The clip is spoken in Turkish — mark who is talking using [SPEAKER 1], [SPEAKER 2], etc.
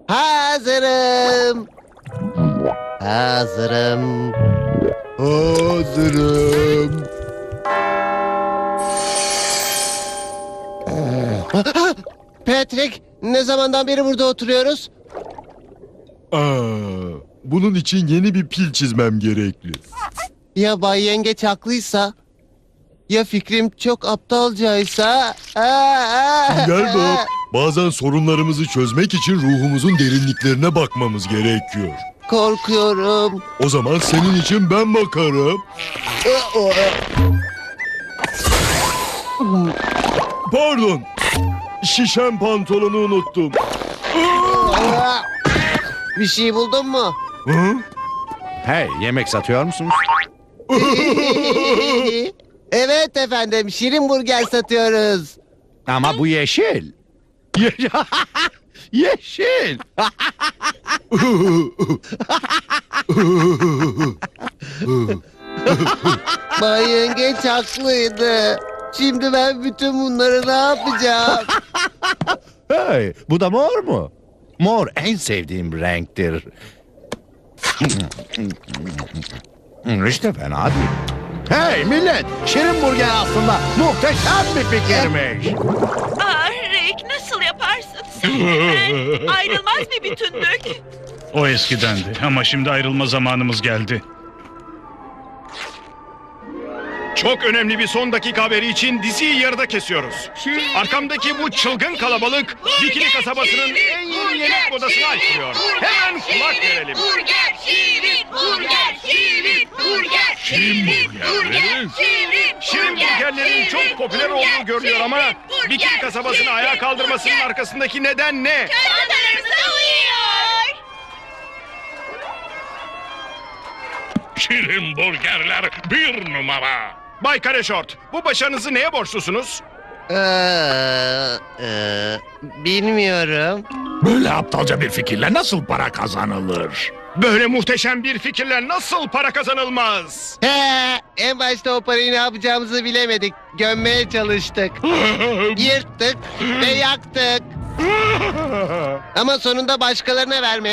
[SPEAKER 1] Hazırım. Hazırım. Hazırım. Patrick, ne zamandan beri burada oturuyoruz?
[SPEAKER 2] Bunun için yeni bir pil çizmem gerekli.
[SPEAKER 1] Ya Bay Yengeç haklıysa? Ya fikrim çok aptalcaysa?
[SPEAKER 2] Gel bak. Bazen sorunlarımızı çözmek için ruhumuzun derinliklerine bakmamız gerekiyor.
[SPEAKER 1] Korkuyorum.
[SPEAKER 2] O zaman senin için ben bakarım. Pardon. Şişen pantolonu unuttum.
[SPEAKER 1] Bir şey buldun mu?
[SPEAKER 2] Hı?
[SPEAKER 3] Hey, yemek satıyor musunuz?
[SPEAKER 1] Evet efendim, şirin burger satıyoruz.
[SPEAKER 3] Ama bu yeşil. Yeşil.
[SPEAKER 1] Bay Yengeç haklıydı. Şimdi ben bütün bunları ne yapacağım?
[SPEAKER 3] Hey, bu da mor mu? Mor en sevdiğim renktir. İşte fena değil. Hey millet, şirin burger aslında muhteşem bir fikirmiş.
[SPEAKER 4] Rick nasıl yaparsın? Sen ayrılmaz bir bütünlük.
[SPEAKER 5] O eskidendi ama şimdi ayrılma zamanımız geldi. Çok önemli bir son dakika haberi için diziyi yarıda kesiyoruz. Arkamdaki bu çılgın kalabalık Bikini kasabasının en yeni yemek modasını açıyor. Hemen kulak verelim.
[SPEAKER 4] Burger, şirin burger, şirin burger,
[SPEAKER 5] Şirin burgerleri? Şirin burgerlerin çok popüler olduğu görülüyor ama Bikini kasabasını ayağa kaldırmasının arkasındaki neden ne?
[SPEAKER 4] Çantalarımıza uyuyor.
[SPEAKER 5] Şirin burgerler bir numara. Bay Kareşort, bu başarınızı neye borçlusunuz?
[SPEAKER 1] Bilmiyorum.
[SPEAKER 3] Böyle aptalca bir fikirle nasıl para kazanılır?
[SPEAKER 5] Böyle muhteşem bir fikirle nasıl para kazanılmaz?
[SPEAKER 1] En başta o parayı ne yapacağımızı bilemedik. Gömmeye çalıştık. Yırttık ve yaktık. Ama sonunda başkalarına vermeye